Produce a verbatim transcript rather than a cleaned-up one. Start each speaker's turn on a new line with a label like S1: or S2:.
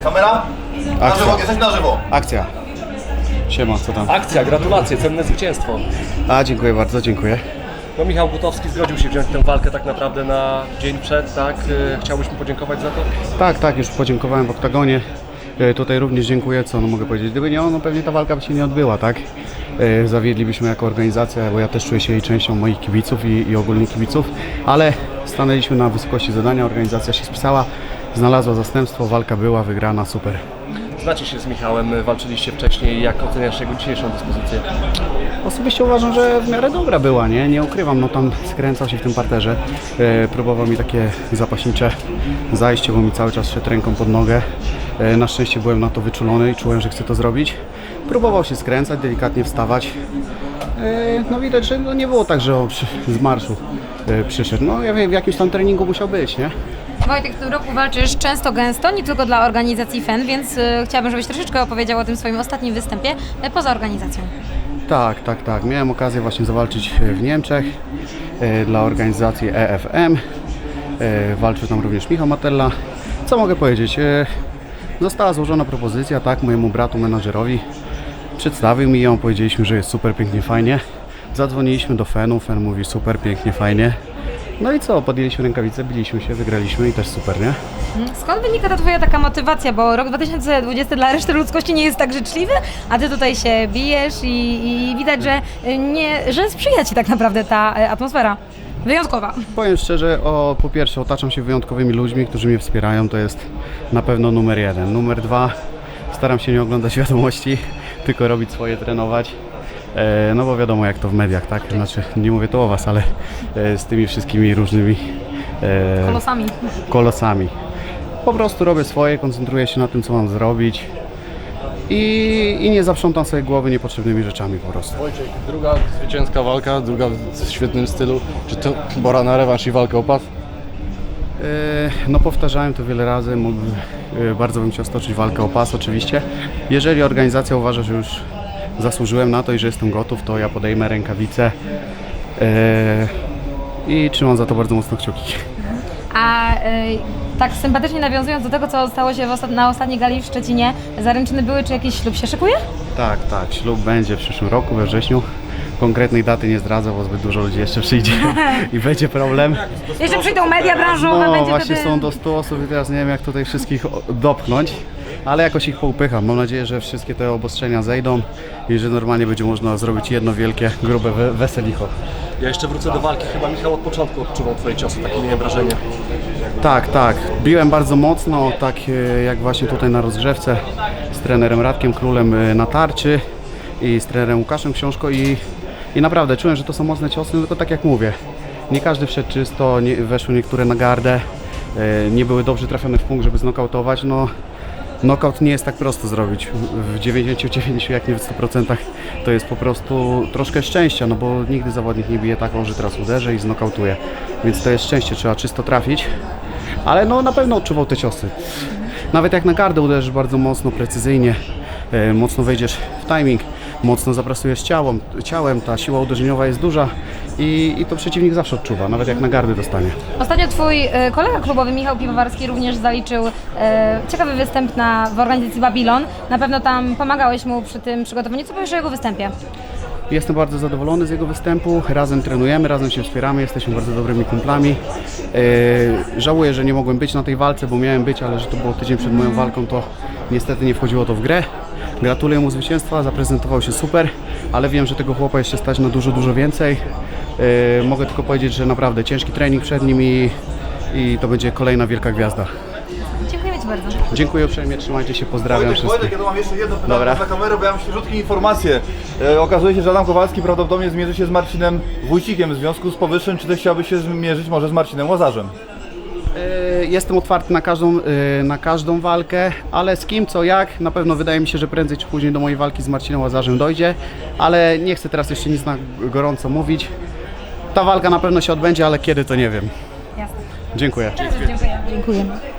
S1: Kamera? Na żywo, jesteś na żywo.
S2: Akcja. Siema, co tam?
S3: Akcja, gratulacje, cenne zwycięstwo.
S2: A, dziękuję bardzo, dziękuję.
S3: No Michał Butowski zgodził się wziąć tę walkę tak naprawdę na dzień przed, tak? Chciałbyś mu podziękować za to?
S2: Tak, tak, już podziękowałem w oktagonie. E, Tutaj również dziękuję, co no mogę powiedzieć. Gdyby nie on, no pewnie ta walka by się nie odbyła, tak? E, Zawiedlibyśmy jako organizacja, bo ja też czuję się jej częścią moich kibiców i, i ogólnie kibiców, ale stanęliśmy na wysokości zadania, organizacja się spisała, znalazła zastępstwo, walka była wygrana, super.
S3: Znacie się z Michałem, walczyliście wcześniej, jak oceniasz jego dzisiejszą dyspozycję?
S2: Osobiście uważam, że w miarę dobra była, nie? Nie ukrywam, no tam skręcał się w tym parterze, e, próbował mi takie zapaśnicze zajście, bo mi cały czas szedł ręką pod nogę. E, na szczęście byłem na to wyczulony i czułem, że chcę to zrobić. Próbował się skręcać, delikatnie wstawać. E, no widać, że no nie było tak, że on przy, z marszu e, przyszedł. No ja wiem, w jakimś tam treningu musiał być, nie?
S4: Wojtek, w tym roku walczysz często, gęsto, nie tylko dla organizacji F E N, więc y, chciałabym, żebyś troszeczkę opowiedział o tym swoim ostatnim występie y, poza organizacją.
S2: Tak, tak, tak. Miałem okazję właśnie zawalczyć w Niemczech e, dla organizacji E F M. E, walczył tam również Michał Matella. Co mogę powiedzieć? E, została złożona propozycja, tak, mojemu bratu, menadżerowi. Przedstawił mi ją, powiedzieliśmy, że jest super, pięknie, fajnie. Zadzwoniliśmy do F E N-u, F E N mówi super, pięknie, fajnie. No i co, podjęliśmy rękawice, biliśmy się, wygraliśmy i też super, nie?
S4: Skąd wynika ta twoja taka motywacja, bo rok dwa tysiące dwudziesty dla reszty ludzkości nie jest tak życzliwy, a ty tutaj się bijesz i, i widać, że, y, nie, że sprzyja ci tak naprawdę ta y, atmosfera. Wyjątkowa.
S2: Powiem szczerze, o, po pierwsze otaczam się wyjątkowymi ludźmi, którzy mnie wspierają, to jest na pewno numer jeden. Numer dwa, staram się nie oglądać wiadomości, tylko robić swoje, trenować. E, no bo wiadomo jak to w mediach, tak? Znaczy, nie mówię to o was, ale e, z tymi wszystkimi różnymi e,
S4: Kolosami.
S2: kolosami. Po prostu robię swoje, koncentruję się na tym, co mam zrobić i, i nie zaprzątam sobie głowy niepotrzebnymi rzeczami po prostu.
S5: Wojciech, druga zwycięska walka, druga w świetnym stylu. Czy to pora na rewanż i walkę o pas?
S2: E, No powtarzałem to wiele razy, mógłbym, e, bardzo bym chciał stoczyć walkę o pas oczywiście. Jeżeli organizacja uważa, że już zasłużyłem na to i że jestem gotów, to ja podejmę rękawice e, i trzymam za to bardzo mocno kciuki.
S4: A y, tak sympatycznie nawiązując do tego, co stało się w ostat- na ostatniej gali w Szczecinie, zaręczyny były, czy jakiś ślub się szykuje?
S2: Tak, tak, ślub będzie w przyszłym roku, we wrześniu. Konkretnej daty nie zdradzę, bo zbyt dużo ludzi jeszcze przyjdzie i będzie problem.
S4: Jeszcze przyjdą media branżowe,
S2: No
S4: będzie
S2: właśnie
S4: wtedy...
S2: są do stu osób i teraz nie wiem jak tutaj wszystkich o- dopchnąć, ale jakoś ich poupycham. Mam nadzieję, że wszystkie te obostrzenia zejdą i że normalnie będzie można zrobić jedno wielkie, grube we- weselicho.
S3: Ja jeszcze wrócę do walki, chyba Michał od początku odczuwał twoje ciosy, takie miałem wrażenie.
S2: Tak, tak. Biłem bardzo mocno, tak e, jak właśnie tutaj na rozgrzewce z trenerem Radkiem Królem e, na tarczy i z trenerem Łukaszem Książko i, i naprawdę czułem, że to są mocne ciosy, no tylko tak jak mówię, nie każdy wszedł czysto, nie, weszły niektóre na gardę, e, nie były dobrze trafione w punkt, żeby znokautować, no knockout nie jest tak prosto zrobić, w dziewięćdziesięciu dziewięciu jak nie w stu procentach to jest po prostu troszkę szczęścia, no bo nigdy zawodnik nie bije taką, że teraz uderzę i znokautuje, więc to jest szczęście, trzeba czysto trafić, ale no na pewno odczuwał te ciosy. Nawet jak na gardę uderzysz bardzo mocno, precyzyjnie, e, mocno wejdziesz w timing, mocno zaprasujesz ciałem, ciałem, ta siła uderzeniowa jest duża i, i to przeciwnik zawsze odczuwa, nawet jak na gardę dostanie.
S4: Ostatnio twój y, kolega klubowy Michał Piwowarski również zaliczył y, ciekawy występ na, w organizacji Babylon. Na pewno tam pomagałeś mu przy tym przygotowaniu. Co powiesz o jego występie?
S2: Jestem bardzo zadowolony z jego występu, razem trenujemy, razem się wspieramy, jesteśmy bardzo dobrymi kumplami. Yy, żałuję, że nie mogłem być na tej walce, bo miałem być, ale że to było tydzień przed moją walką, to niestety nie wchodziło to w grę. Gratuluję mu zwycięstwa, zaprezentował się super, ale wiem, że tego chłopa jeszcze stać na dużo, dużo więcej. Yy, mogę tylko powiedzieć, że naprawdę ciężki trening przed nim i, i to będzie kolejna wielka gwiazda.
S4: Dziękuję ci bardzo.
S2: Dziękuję uprzejmie, trzymajcie się, pozdrawiam
S1: Wojtek,
S2: wszystkich.
S1: Wojtek, ja tu mam jeszcze jedno pytanie
S2: Dobra.
S1: za kamerę, bo ja mam świeżutkie informacje. E, okazuje się, że Adam Kowalski prawdopodobnie zmierzy się z Marcinem Wójcikiem. W związku z powyższym, czy ty chciałbyś się zmierzyć może z Marcinem Łazarzem?
S2: Yy, Jestem otwarty na każdą, yy, na każdą walkę, ale z kim, co, jak, na pewno wydaje mi się, że prędzej czy później do mojej walki z Marcinem Łazarzem dojdzie, ale nie chcę teraz jeszcze nic na gorąco mówić. Ta walka na pewno się odbędzie, ale kiedy to nie wiem.
S4: Jasne.
S2: Dziękuję.
S4: Teraz już dziękuję. Dziękuję.